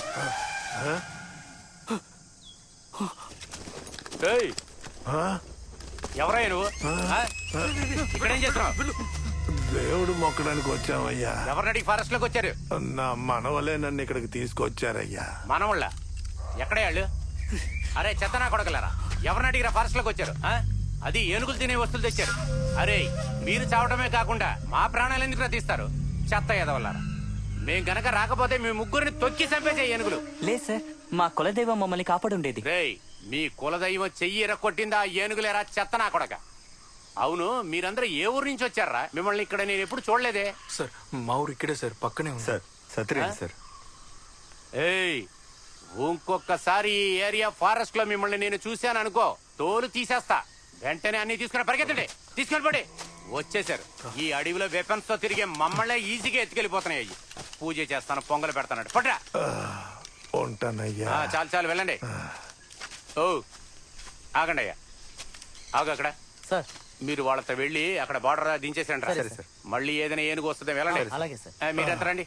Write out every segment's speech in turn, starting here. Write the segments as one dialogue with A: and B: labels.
A: ఎవరయ్యా నువ్వు? ఇక్కడేం చేస్తున్నావు?
B: దేవుడు మొక్కడానికి వచ్చామయ్యా.
A: ఎవరినడికి ఫారెస్ట్ లోకి వచ్చారు?
B: నా మనవలే నన్ను ఇక్కడికి తీసుకొచ్చారయ్యా.
A: మనవుళ్ళ ఎక్కడే వాళ్ళు? అరే చెత్తనా కొడకలేరా, ఎవరిని అడిగిరా ఫారెస్ట్ లోకి వచ్చారు? అది ఏనుగులు తినే వస్తువులు తెచ్చారు. అరే మీరు చావటమే కాకుండా మా ప్రాణాలు ఎందుకు తీస్తారు? చెత్త ఎదవల్లారా. మేం గనక రాకపోతే మీ ముగ్గురిని తొక్కి చంపేసే ఏనుగులు.
C: లేదు సార్, మా కులదైవం మమ్మల్ని కాపాడుండేది.
A: రేయ్, మీ కులదైవం చెయ్యి ఎరక్కొట్టిందా ఏనుగులేరా చెత్తనా కొడక? అవును, మీరందరూ ఏ ఊరు నుంచి వచ్చారా? మిమ్మల్ని ఇక్కడ నేను ఎప్పుడు చూడలేదే.
D: సార్ మా ఊరు ఇక్కడే సార్, పక్కనే ఉంది సార్. సత్యరేండి సార్.
A: ఏయ్, ఇంకొకసారి ఈ ఏరియా ఫారెస్ట్ లో మిమ్మల్ని నేను చూశాను అనుకో, తోలు తీసేస్తా. వెంటనే అన్ని తీసుకుని పరిగెత్తండి, తీసుకొని పడి. వచ్చేసారు. ఈ అడవిలో వెపన్స్ తో తిరిగే మమ్మల్ని ఈజీగా ఎత్తుకెళ్ళిపోతున్నాయి. పూజ చేస్తాను, పొంగలు పెడతాను. పట్రా.
B: ఉంటానయ్యా.
A: చాలు చాలు వెళ్ళండి. ఓ ఆగండి అయ్యా, ఆగు అక్కడ.
C: సార్
A: మీరు వాళ్ళతో వెళ్ళి అక్కడ బార్డర్ దించేసండి. మళ్ళీ ఏదైనా ఏనుగు వస్తుంది, వెళ్ళండి.
C: అలాగే సార్.
A: మీరెంత రండి.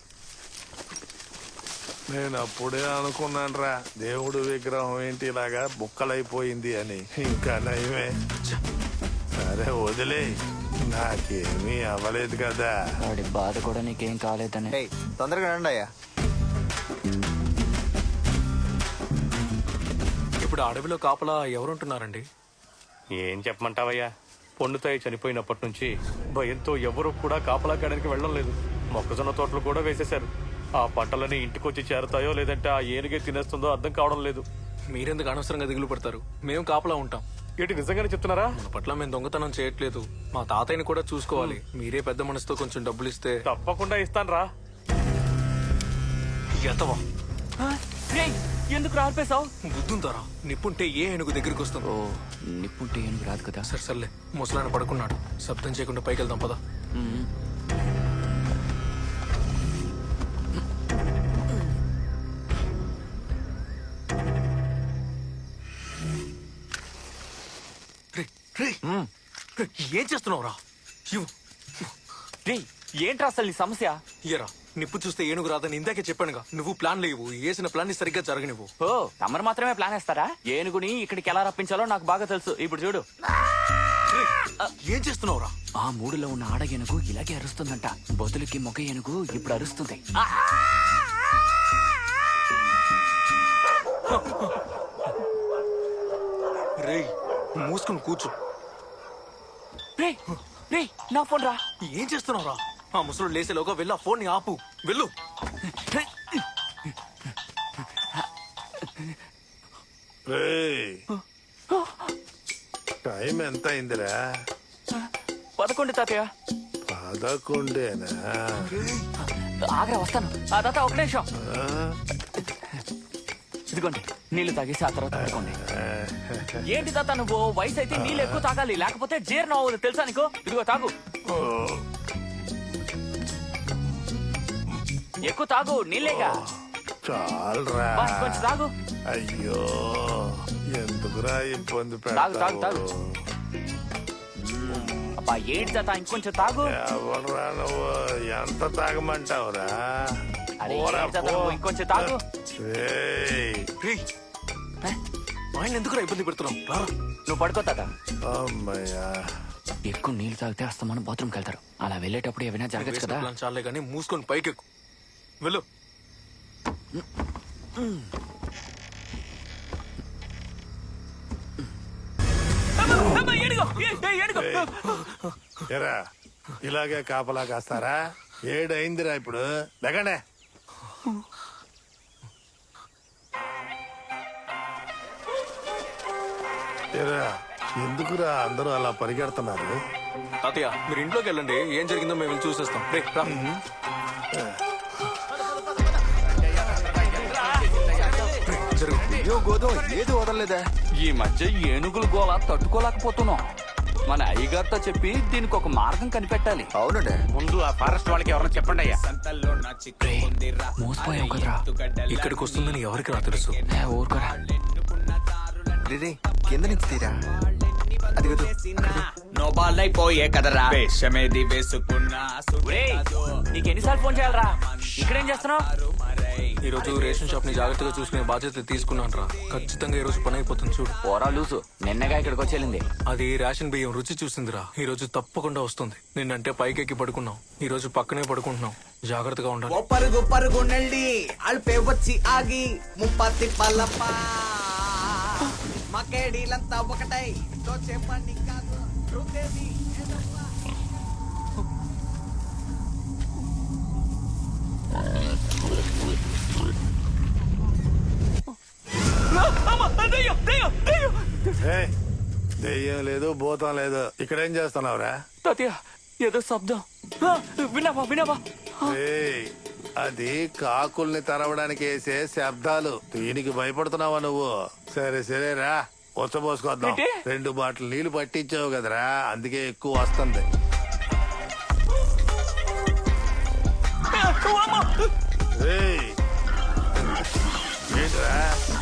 B: నేను అప్పుడే అనుకున్నాను రా, దేవుడు విగ్రహం ఏంటి ఇలాగా బుక్కలైపోయింది అని. ఇంకా నయమే. సరే వదిలే, నాకేమీ అవ్వలేదు కదా.
C: వాడి బాధ కూడా నీకేం కాలేదని.
E: తొందరగా రండి అయ్యా.
D: ఇప్పుడు అడవిలో కాపలా ఎవరుంటున్నారండి?
F: ఏం చెప్పమంటావయ్యా, పొన్నుతాయి చనిపోయినప్పటి నుంచి భయంతో ఎవరు కూడా కాపలా కాయడానికి వెళ్ళడం లేదు. మొక్కజొన్న తోటలు కూడా వేసేశారు. ఆ పంటలని ఇంటికొచ్చి చేరతాయో లేదంటే ఆ ఏనుగే తినేస్తుందో అర్థం కావడం లేదు.
D: మీరెందుకు అనవసరంగా దిగులు పడతారు? మేము కాపలా ఉంటాం.
F: ఏంటి నిజంగానే చెప్తున్నారా?
D: మన పట్ల మేము దొంగతనం చేయట్లేదు. మా తాతయ్యని కూడా చూసుకోవాలి. మీరే పెద్ద మనసుతో కొంచెం డబ్బులు ఇస్తే.
F: తప్పకుండా ఇస్తాను రా.
D: ఎంతవా?
C: ఎందుకు రాల్పేశావు?
D: బుద్ధుంతారా? నిప్పుంటే ఏ ఏనుగు దగ్గరికి వస్తుంది?
C: ఓ నిప్పుంటే ఏనుగు రాదు కదా.
D: సరే సర్లే, ముసలాయన పడుకున్నాడు. శబ్దం చేయకుండా పైకి వెళ్దాం పదా. ఏం చేస్తున్నావురా?
C: ఏంట్రా అసలు నీ సమస్య?
D: ఇయరా, నిప్పు చూస్తే ఏనుగు రాదని ఇందాకే చెప్పానుగా. నువ్వు ప్లాన్ లేవు, వేసిన ప్లాన్ ని సరిగ్గా జరగనివ్వు.
C: ఓ తమరు మాత్రమే ప్లాన్ వేస్తారా? ఏనుగుని ఇక్కడికి ఎలా రప్పించాలో నాకు బాగా తెలుసు. ఇప్పుడు చూడు.
D: ఏం చేస్తున్నావురా?
C: ఆ మూడులో ఉన్న ఆడ ఏనుగు ఇలాగే అరుస్తుందంట. బొతులకి మొగ ఏనుగు ఇప్పుడు అరుస్తుంది.
D: రేయ్, మూసుకుని కూర్చో.
C: నా ఫోన్ రా.
D: ఏం చేస్తున్నావురా? ఆ ముసలు లేసేలోగా వెళ్ళి ఆ ఫోన్ ని ఆపు. వెళ్ళు.
B: టైం ఎంత అయిందిరా?
C: 11 తాతయ్య.
B: 11?
C: ఆగ్రా వస్తాను. ఆ తాత ఒక నిమిషం. ఇదిగోండి నీళ్లు తాగేసి ఆ తర్వాత పడుకోండి. ఏంటి తాత నువ్వు? వయసు అయితే నీళ్ళు ఎక్కువ తాగాలి, లేకపోతే జీర్ణం అవ్వదు తెలుసా నీకు? ఇదిగో తాగు, ఎక్కువ తాగు. నీళ్ళేగా,
B: చాలరా.
C: కొంచెం తాగు.
B: అయ్యో ఎందుకురా ఇబ్బంది
C: తాగు తాగు తాగు.
B: పెడతావు?
C: అబ్బా ఏంటి తాత, ఇంకొంచెం తాగు.
B: ఎవరురా నువ్వు? ఎంత తాగమంటావురా?
C: అరే ఏంటి తాత నువ్వు? ఇంకొంచెం తాగు.
D: ఆయన ఎందుకురా ఇబ్బంది పెడుతున్నావు? రారా.
C: నువ్వు పడుకో తాత.
B: అమ్మయ్యా,
C: ఎక్కువ నీళ్ళు తాగితే అస్తమానం బాత్రూమ్కి వెళ్తారు. అలా వెళ్ళేటప్పుడు ఏమైనా జరగచ్చు కదా.
D: చాలే కానీ మూసుకొని పైకెక్కు. వెళ్ళు.
B: ఎరా ఇలాగే కాపలా కాస్తారా? 7 అయిందిరా ఇప్పుడు. లేకండే. ఎరా ఎందుకురా అందరూ అలా పరిగెడుతున్నారు?
D: తాతయ్య మీరు ఇంట్లోకి వెళ్ళండి, ఏం జరిగిందో మేము వెళ్ళి చూసేస్తాం. రే రా.
E: ఏది వదలలేదా?
C: ఈ మధ్య ఏనుగుల గోళ తట్టుకోలేకపోతున్నాం. మన అయ్యగారితో చెప్పి దీనికి ఒక మార్గం కనిపెట్టాలి.
E: అవునండి.
A: ముందు ఆ ఫారెస్ట్ వాళ్ళకి ఎవరైనా చెప్పండి అయ్యా.
C: మోసపోయాం కదరా.
D: ఇక్కడికి వస్తుందని ఎవరికి నా తెలుసు?
C: ఊరుకోరా.
E: కింద నుంచి తీరా. అది
G: నోబాలైపోయే కదరా వేషమేది వేసుకున్నా.
C: నీకు ఎన్నిసార్లు ఫోన్ చేయాలరా? ఇక్కడేం చేస్తున్నావు?
D: ఈ రోజు రేషన్ షాప్ ని జాగ్రత్తగా చూసుకునే బాధ్యత తీసుకున్నాను రా. ఖచ్చితంగా ఈ రోజు పని అయిపోతుంది చూడు.
C: పోరా లూసు నిన్నగా ఇక్కడికి వచ్చేళ్ళింది.
D: అది రేషన్ బియ్యం రుచి చూసిందిరా. ఈ రోజు తప్పకుండా వస్తుంది. నిన్నంటే పైకెక్కి పడుకున్నాం, ఈ రోజు పక్కనే పడుకుంటున్నాం. జాగ్రత్తగా ఉండాలి.
G: ఓ పరుగు పరుగు నెల్లి అల్పే వచ్చి ఆగి ముప్పత్తి పల్లప్ప మకేడీలంతా ఒకటై చెప్పండి కాదు రుద్దేది ఏదవ్వ.
B: ఏయ్, దెయ్యం లేదు భూతం లేదు, ఇక్కడేం చేస్తున్నావురా?
C: తాతయ్య ఏదో శబ్దం. విన్నావా విన్నావా?
B: ఏయ్, అది కాకుల్ని తరవడానికి వేసే శబ్దాలు. దీనికి భయపడుతున్నావా నువ్వు? సరే సరేరా, వచ్చబోసుకొద్దాం.
C: ఏంటి?
B: 2 బాటిల్ నీళ్లు పట్టించావు కదరా, అందుకే ఎక్కువ వస్తుంది. ఏయ్, ఏంట్రా?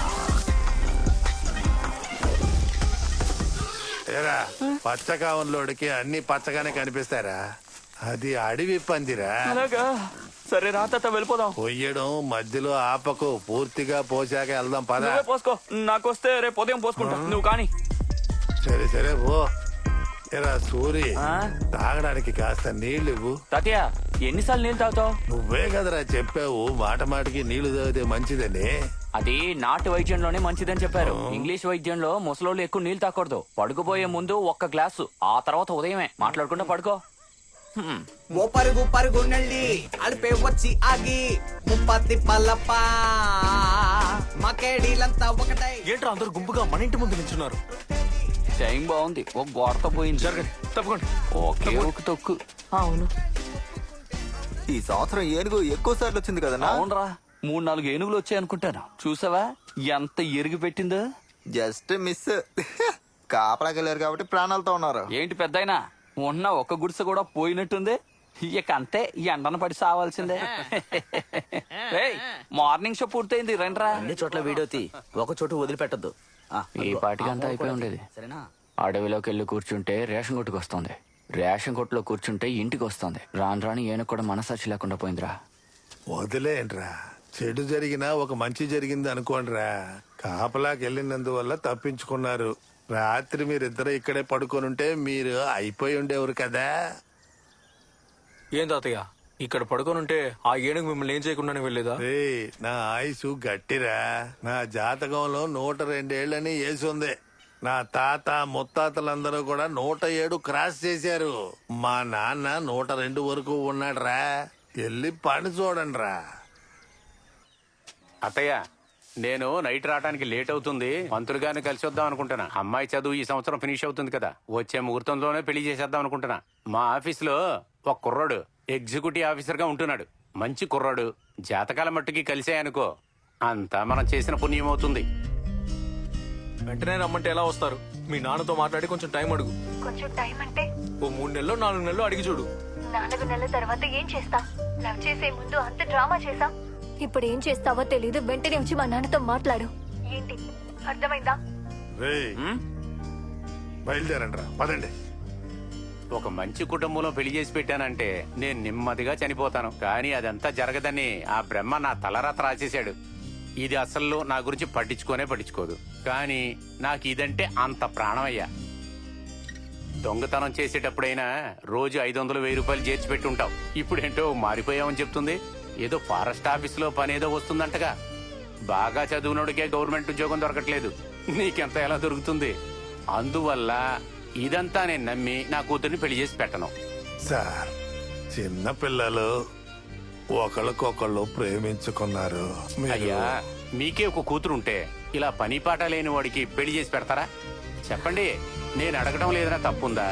B: ఏరా, పచ్చకావంలోడికి అన్ని పచ్చగానే కనిపిస్తారా? అది అడవి పందిరా.
C: అలాగా సరే రా తాత వెళ్ళిపోదాం.
B: పొయ్యడం మధ్యలో ఆపకు, పూర్తిగా పోసాక వెళ్దాం పద.
C: నువ్వే పోసుకో, నాకొస్తే రేపు ఉదయం పోసుకుంటా. నువ్వు కానీ
B: సరే సరే పో. ఎరా సూరి,
C: ఆ?
B: తాగడానికి కాస్త నీళ్లు ఇవ్వు.
C: తాతయ్య ఎన్నిసార్లు నీళ్ళు తాగుతావు?
B: నువ్వే కదరా చెప్పావు మాట మాటికి నీళ్లు తాగితే మంచిదని.
C: అది నాటు వైద్యంలోనే మంచిదని చెప్పారు. ఇంగ్లీష్ వైద్యంలో ముసలోళ్ళు ఎక్కువ నీళ్లు తాకూడదు. పడుకోబోయే ముందు 1 గ్లాసు, ఆ తర్వాత ఉదయమే మాట్లాడుకుంటూ పడుకో.
G: ఓ పరుగు పరుగు నెల్లి అల్పే వచ్చి ఆగి ముప్పత్తి పల్లప్ప మకేడీలంతా ఒకటై.
D: ఏంట్రా అందరు గుంపుగా మన ఇంటి ముందు నిల్చున్నారు?
C: టైం బాగుంది, ఒక గోడతో పోయింది.
D: జరగండి, తప్పకుండా.
C: ఓకే ఒక తొక్కు.
E: అవును, ఈ సంవత్సరం ఏనుగు ఎక్కువ సార్లు వచ్చింది కదన్నా.
C: అవునరా, 3-4 ఏనుగులు వచ్చాయి అనుకుంటాను. చూసావా ఎంత ఎరుగు పెట్టిందో?
E: Just miss. కాపలాకి వెళ్ళారు కాబట్టి ప్రాణాలతో ఉన్నారు.
C: ఏంటి పెద్దయినా, ఉన్న ఒక్క గుడిసె కూడా పోయినట్టుంది. ఇక అంతే, ఎండన పడి సావాల్సిందే. ఏయ్, మార్నింగ్ షో పూర్తయింది, రండ్రా.
H: అన్ని చోట్ల వీడియో తీ, ఒక చోటు వదిలిపెట్టద్దు.
C: ఈ పాటికి అంతా అయిపోయి ఉండేది.
H: సరేనా?
C: అడవిలోకి వెళ్ళి కూర్చుంటే రేషన్ కొట్టుకు వస్తుంది, రేషన్ కొట్టులో కూర్చుంటే ఇంటికి వస్తుంది. రాను రాని ఏనుగు కూడా మనసాక్షి లేకుండా పోయిందిరా.
B: వదిలేంట్రా, చెడు జరిగినా ఒక మంచి జరిగింది అనుకోండిరా. కాపలాకి వెళ్ళినందువల్ల తప్పించుకున్నారు. రాత్రి మీరిద్దరు ఇక్కడే పడుకొనుంటే మీరు అయిపోయి ఉండేవారు కదా.
D: ఏం తాతయ్య, ఇక్కడ పడుకోనుంటే ఆ ఏనుగు మిమ్మల్ని ఏం చేయకుండానే వెళ్ళేదా?
B: రేయ్, నా ఆయుసు గట్టిరా. నా జాతకంలో 102 ఏళ్ళని వేసుంది. నా తాత ముత్తాతలందరూ కూడా 107 క్రాస్ చేశారు. మా నాన్న 102 వరకు ఉన్నాడురా. వెళ్ళి పని చూడండి రా.
A: అత్తయ్య, నేను నైట్ రావడానికి లేట్ అవుతుంది. మంత్రులు గారిని కలిసి వద్దాం అనుకుంటున్నా. అమ్మాయి చదువు ఈ సంవత్సరం ఫినిష్ అవుతుంది కదా, వచ్చే ముహూర్తంలోనే పెళ్లి చేసేద్దాం అనుకుంటున్నా. మా ఆఫీసులో ఒక కుర్రాడు ఎగ్జిక్యూటివ్ ఆఫీసర్ గా ఉంటున్నాడు. మంచి కుర్రాడు. జాతకాల మట్టుకి కలిసాయనుకో, అంతా మనం చేసిన పుణ్యం అవుతుంది.
D: వెంటనే రమ్మంటే ఎలా వస్తారు? మీ నాన్నతో మాట్లాడి కొంచెం టైం అడుగు.
I: కొంచెం టైం అంటే
D: ఓ 3 నెలలో 4 నెలలు అడిగి చూడు.
I: 4 నెలల తర్వాత ఏం చేస్తాం? లవ్ చేసే ముందు అంత డ్రామా చేసాం. ఇప్పుడు ఏం చేస్తావో తెలీదు. వెంటనే వచ్చి మా నాన్నతో మాట్లాడు. ఏంటి అర్థమైందా?
B: రేయ్, బయలుదేరండి రా, పదండి.
A: ఒక మంచి కుటుంబంలో పెళ్లి చేసి పెట్టానంటే నేను నెమ్మదిగా చనిపోతాను. కానీ అదంతా జరగదని ఆ బ్రహ్మ నా తలరాత రాసేశాడు. ఇది అసలు నా గురించి పట్టించుకోదు. కానీ నాకు ఇదంటే అంత ప్రాణమయ్యా. దొంగతనం చేసేటప్పుడైనా రోజు 500-1000 రూపాయలు చేర్చి పెట్టుంటావు. ఇప్పుడేంటో మారిపోయావని చెప్తుంది. ఏదో ఫారెస్ట్ ఆఫీసులో పనేదో వస్తుందంటగా. బాగా చదువునోడికే గవర్నమెంట్ ఉద్యోగం దొరకట్లేదు, నీకెంత ఎలా దొరుకుతుంది? అందువల్ల ఇదంతా నేను నమ్మి నా కూతుర్ని పెళ్లి చేసి పెట్టను.
B: సార్, చిన్న పిల్లలు ఒకళ్ళకొకళ్ళు ప్రేమించుకున్నారు. మీరు-
A: అయ్యా, మీకే ఒక కూతురుంటే ఇలా పని పాట లేని వాడికి పెళ్లి చేసి పెడతారా? చెప్పండి, నేను అడగడం లేదన్నా తప్పుందా?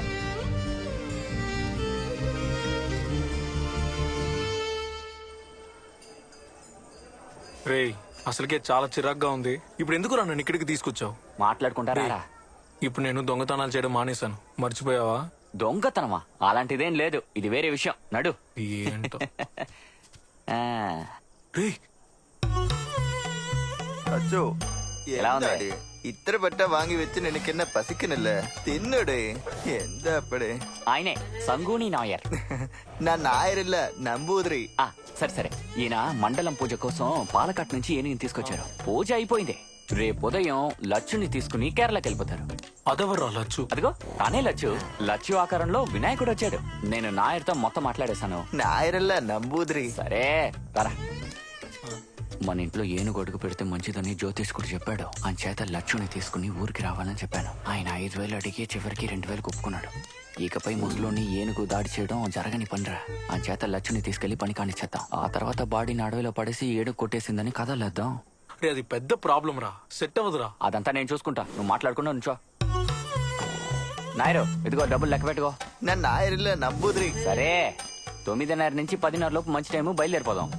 D: రేయ్, అసలుకే చాలా చిరాగ్గా ఉంది. ఇప్పుడు ఎందుకు నన్ను ఇక్కడికి తీసుకొచ్చావు?
C: మాట్లాడుకుంటారా?
D: ఇప్పుడు నేను దొంగతనాలు చేయడం మానేశాను, మర్చిపోయావా?
C: దొంగతనమా? అలాంటిదేం లేదు, ఇది వేరే విషయం. నడు.
D: ఏంటో.
C: ఆ,
E: అచ్చో,
C: ఎలా ఉంది
E: എന്താടി ഇത്ര പെട്ട വാങ്ങി വെച്ച് നിനക്കെന്നെ പസിക്കുന്നില്ല തിന്നടേ എന്താ അപ്പടേ
C: ఆయనే సంగూని నాయర్
E: నా నాయరిల్ల నంబూదిరి
C: ఆ, సరే సరే ఈయన మండలం పూజ కోసం పాలకాట్ నుంచి ఏనుగుని తీసుకొచ్చారు పూజ అయిపోయింది రేపు ఉదయం లచ్చుని తీసుకుని కేరళకి వెళ్ళిపోతారు
D: అదెవర్రా లచ్చు?
C: అదిగో తానే లచ్చు లచ్చు ఆకారంలో వినాయకుడు వచ్చాడు నేను నాయర్తో మొత్తం మాట్లాడేశాను
E: నాయరిల్ల నంబూదిరి
C: సరే పరా మన ఇంట్లో ఏనుగు అడుగు పెడితే మంచిదని జ్యోతిష్కుడు చెప్పాడు చేత లచ్చుని తీసుకుని ఊరికి రావాలని చెప్పాను ఆయన 5,000 అడిగి చివరికి 2,000 ఒప్పుకున్నాడు ఇకపై ముసలోని ఏనుగు దాడి చేయడం జరగని పనిరా చేత లచ్చుని తీసుకెళ్లి పని కానిచ్చేద్దాం ఆ తర్వాత బాడీని అడవిలో పడేసి ఏనుగు కొట్టేసిందని కథలేద్దాం
D: రే అది పెద్ద ప్రాబ్లం రా, సెట్ అవ్వదురా.
C: అదంతా నేను చూసుకుంటా నువ్వు మాట్లాడుకున్నా నుంచో నాయరు ఇదిగో డబ్బులు లెక్క పెట్టుకో
E: నా నాయరిల్ల నంబూదిరి
C: సరే 9:30 నుంచి 10:30 లోపు మంచి టైము బయలుదేరిపోదాం